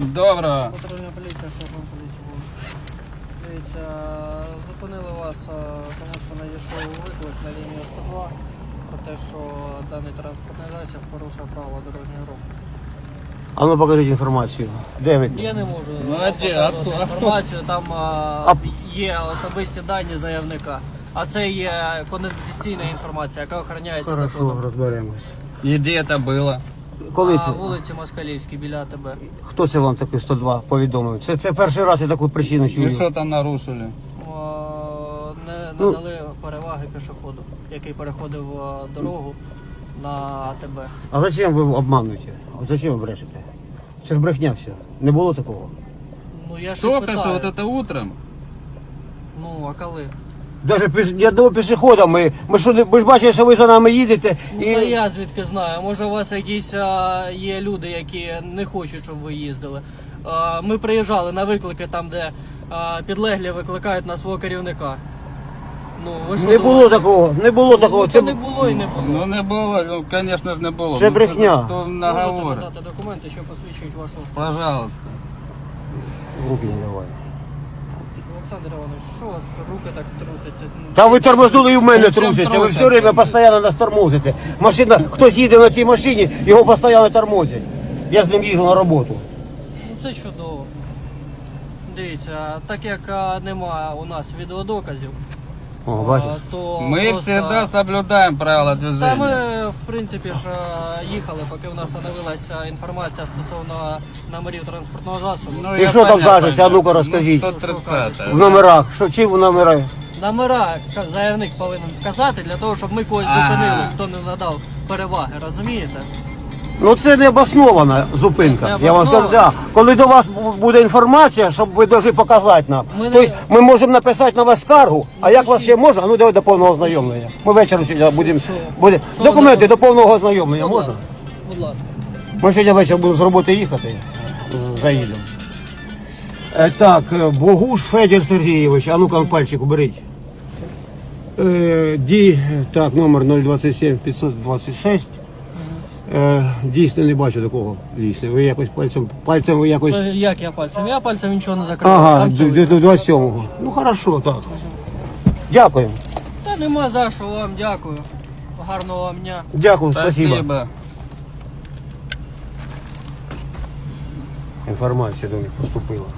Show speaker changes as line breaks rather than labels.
Доброго.
Патрульна поліція, служба поліції. Дивіться, зупинили вас, тому що надійшов виклик на лінію 102 про те, що даний транспортний засіб порушує правила дорожнього руху.
А ну покажіть інформацію. Де ви?
Я не можу
Ну, а де?
показувати
А хто?
інформацію, там є особисті дані заявника. А це є конфіденційна інформація, яка охороняється
Хорошо,
законом.
розберемось.
И где это было?
Коли
На
це?
вулиці Москалівській біля АТБ.
Хто це вам такий 102 повідомив? Це перший раз я таку причину
И
чую.
что там нарушили?
Не
Ну.
надали переваги пішоходу, який переходив дорогу на АТБ.
А зачем ви обмануєте? От зачем ви брешете? Це ж брехня все. Не було такого.
Ну я ж
Только
питаю.
что, вот это утром?
Ну, а коли?
Даже ні одного пішохода ми ж бачили, що ви за нами їдете.
Ну, та я звідки знаю. Може у вас якісь є люди, які не хочуть, щоб ви їздили. Ми приїжджали на виклики там, де підлеглі викликають на свого керівника. Ну, ви що
Не було
думаєте?
такого, не було такого.
Ну, це не було і не було.
Ну не было, ну конечно же не было.
Це
Ну,
брехня.
То
Можете
наговоры.
подати документи, що посвідчують вашу особу.
Пожалуйста.
Руки не давай.
Олександр Іванович, що у вас руки так трусяться?
Та ви тормознули і в мене
Ну, чим
трусите. Ви
трусяться?
все время постійно нас тормозите. Машина, хтось їде на цій машині, його постійно тормозять. Я з ним їжджу на роботу.
Ну це чудово. Дивіться, так як немає у нас відеодоказів,
О, бачиш?
то
Мы
просто...
всегда соблюдаем правила
Та
движения.
ми, в принципі, ж їхали, поки в нас оновилася інформація стосовно номерів транспортного засобу.
Ну,
І
я
що там
понятно.
кажеться? А ну-ка розкажіть.
Ну, 130.
В номерах. Що, чим в номерах?
Номера заявник повинен вказати для того, щоб ми когось зупинили, хто не надав переваги, розумієте?
Ну це не обоснована зупинка.
Не
Я вам скажу,
обоснована?
да. Коли до вас буде інформація, щоб ви повинні показати нам.
Ми не-
Тобто ми можемо написати на вас скаргу, а як вас ще можна? А ну давай до повного ознайомлення. Ми вечором сьогодні будемо.
Що
Документи
ви-
до повного ознайомлення
Будь
можна?
ласка. Будь ласка.
Ми сьогодні ввечері будемо з роботи їхати. Заїдемо. Так, Богуш Федір Сергійович, а ну-ка пальчик уберіть. Так, номер 027 526. Дійсно не бачу такого лісу. Ви якось пальцем ви якось.
Як я пальцем? Я пальцем нічого не закрив.
Ага,
Там все
до
видно.
27-го. Ну хорошо, так. Дякую.
Та нема за що вам, дякую. Гарного вам дня.
Дякую, спасибо.
Спасибо.
Інформація до них поступила.